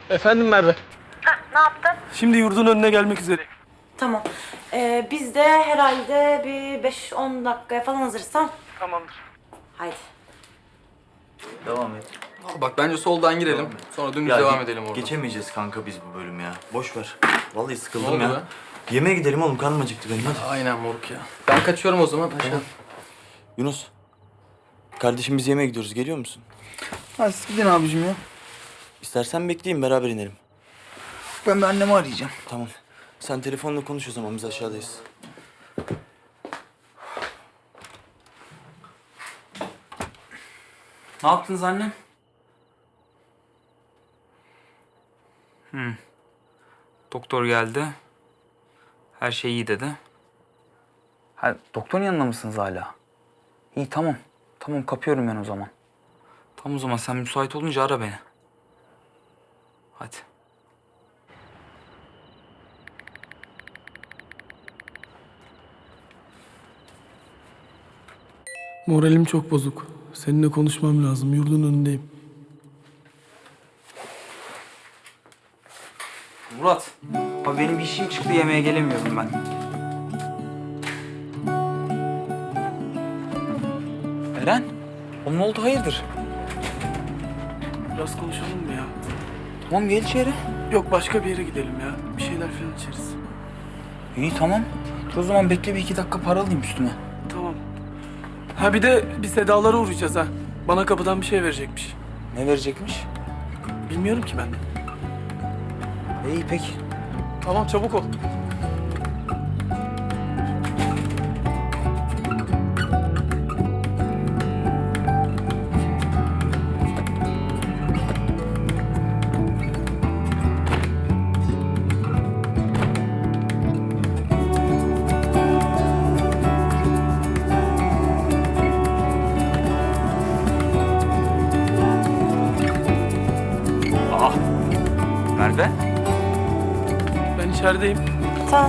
Efendim Merve. Ne yaptın? Şimdi yurdun önüne gelmek üzere. Tamam. Biz de herhalde bir 5-10 dakikaya falan hazırız, tamam? Tamamdır. Haydi. Devam et. Bak bence soldan girelim. Sonra dümdüz devam edelim orada. Geçemeyeceğiz kanka biz bu bölümü ya. Boş ver. Vallahi Ne sıkıldım oldu ya. be? Yemeğe gidelim oğlum, karnım acıktı benim, hadi. Aynen moruk ya. Ben kaçıyorum o zaman. Aşağı. Yunus. Kardeşim biz yemeğe gidiyoruz, geliyor musun? Hadi siz gidin abicim ya. İstersen bekleyeyim, beraber inelim. Ben bir annemi arayacağım. Tamam. Sen telefonla konuş o zaman, biz aşağıdayız. Ne yaptınız annem? Doktor geldi. Her şey iyi dedi. Ha, doktorun yanında mısınız hala? İyi, tamam. Tamam, kapıyorum ben o zaman. Tamam, o zaman sen müsait olunca ara beni. Hadi. Moralim çok bozuk. Seninle konuşmam lazım. Yurdun önündeyim. Murat. Abi benim bir işim çıktı, yemeğe gelemiyorum ben. Eren. Oğlum ne oldu, hayırdır? Biraz konuşalım mı ya? Tamam, gel içeri. Yok, başka bir yere gidelim ya. Bir şeyler falan içeriz. İyi, tamam. Dur o zaman, bekle, bir 2 dakika para alayım üstüme. Tamam. Ha bir de bir Sedalara uğrayacağız ha. Bana kapıdan bir şey verecekmiş. Ne verecekmiş? Bilmiyorum ki ben de. İyi, peki. Tamam, çabuk ol. Merve. Ben içerideyim. Tamam.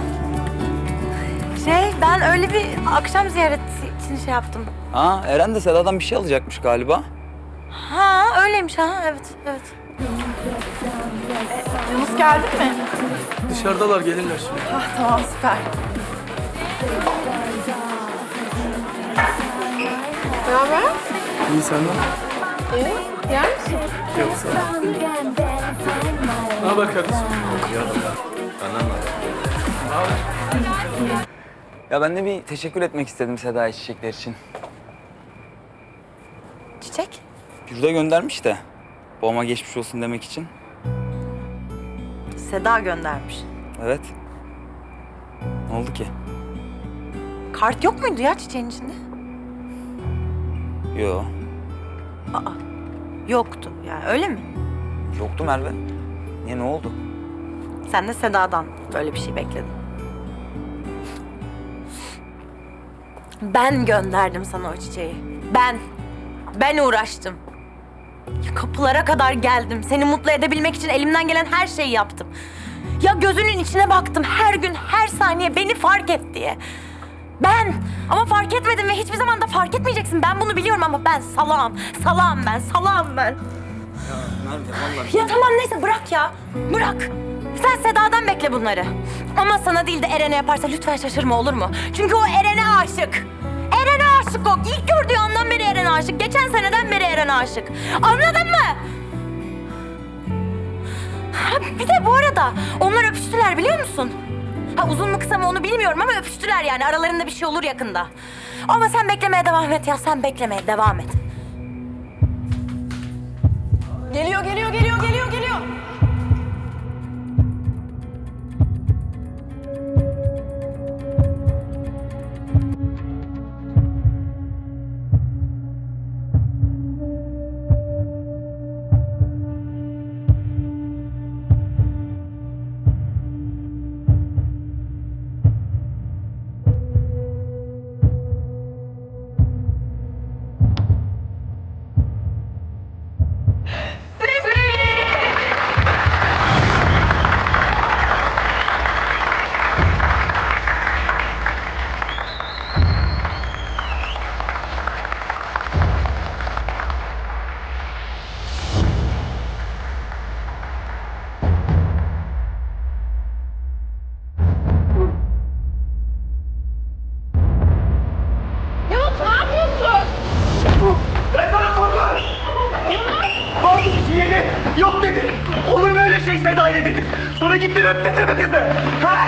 Ben öyle bir akşam ziyareti için şey yaptım. Ha, Eren de Seda'dan bir şey alacakmış galiba. Ha, öyleymiş ha. Evet, evet. Yunus geldi mi? Dışarıdalar, gelirler şimdi. Tamam, süper. Ne haber? İyi, senden? Yer misin? Yok, sağ ol. Ne haber kardeşim? Ya ben de bir teşekkür etmek istedim Seda'ya çiçekler için. Çiçek? Yurda göndermiş de. Babama geçmiş olsun demek için. Seda göndermiş. Evet. Ne oldu ki? Kart yok muydu ya çiçeğin içinde? Yo. Aa, yoktu. Yani öyle mi? Yoktu Merve. Niye, ne oldu? Sen de Seda'dan böyle bir şey bekledin. Ben gönderdim sana o çiçeği. Ben uğraştım. Ya kapılara kadar geldim. Seni mutlu edebilmek için elimden gelen her şeyi yaptım. Ya gözünün içine baktım her gün, her saniye beni fark et diye. Ama fark etmedim ve hiçbir zaman da fark etmeyeceksin. Ben bunu biliyorum ama ben salağım. Salağım ben. Merve vallahi. Ya tamam, neyse, bırak ya. Bırak. Sen Seda'dan bekle bunları. Ama sana değil de Eren'e yaparsa lütfen şaşırma, olur mu? Çünkü o Eren'e aşık. Eren'e aşık o. İlk gördüğü andan beri Eren'e aşık. Geçen seneden beri Eren'e aşık. Anladın mı? Ha, bir de bu arada onlar öpüştüler, biliyor musun? Ha, uzun mu kısa mı onu bilmiyorum ama öpüştüler yani. Aralarında bir şey olur yakında. Ama sen beklemeye devam et ya. Sen beklemeye devam et. Geliyor. şeyi Seda'ya dedim. Sonra gittin öptün mi kızı? Ha?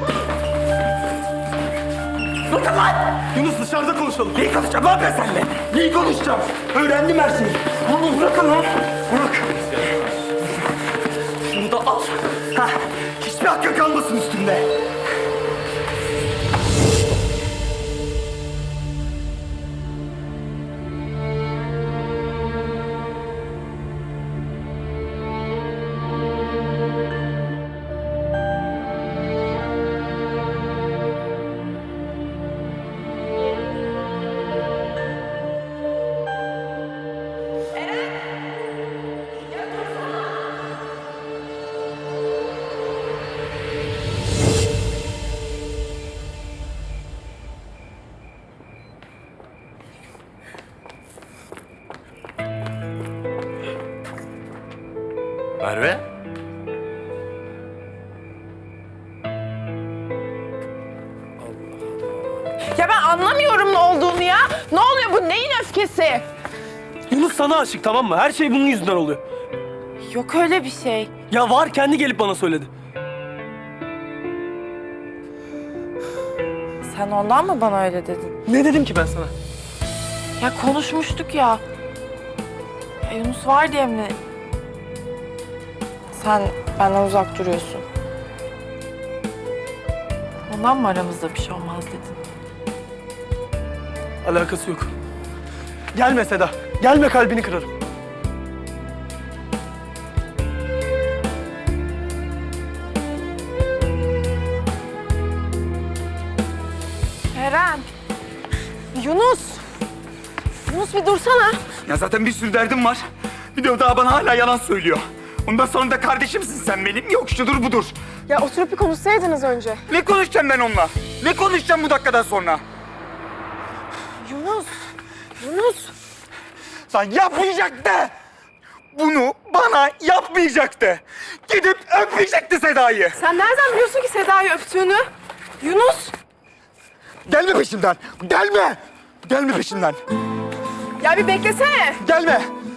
Bakın lan! Yunus dışarıda konuşalım. Neyi konuşacağım lan ben seninle? Neyi konuşacağım? Öğrendim her şeyi. Onu bırakın lan. Bırak. Şunu da al. Ha, hiçbir hakkın kalmasın üstünde. Merve? Ya ben anlamıyorum ne olduğunu ya. Ne oluyor bu? Neyin öfkesi? Yunus sana aşık, tamam mı? Her şey bunun yüzünden oluyor. Yok öyle bir şey. Ya var, kendi gelip bana söyledi. Sen ondan mı bana öyle dedin? Ne dedim ki ben sana? Ya konuşmuştuk ya. Ya Yunus var diye mi? Sen benden uzak duruyorsun. Ondan mı aramızda bir şey olmaz dedin? Alakası yok. Gelme Seda. Gelme, kalbini kırarım. Eren. Yunus. Yunus bir dursana. Ya zaten bir sürü derdim var. Bir de o daha bana hala yalan söylüyor. Ondan sonra da kardeşimsin sen benim. Yok şudur budur. Ya oturup bir konuşsaydınız önce. Ne konuşacağım ben onunla? Ne konuşacağım bu dakikadan sonra? Yunus. Yunus. Lan yapmayacaktı. Bunu bana yapmayacaktı. Gidip öpmeyecekti Seda'yı. Sen nereden biliyorsun ki Seda'yı öptüğünü? Yunus. Gelme peşimden. Gelme. Gelme peşimden. Ya bir beklesene. Gelme.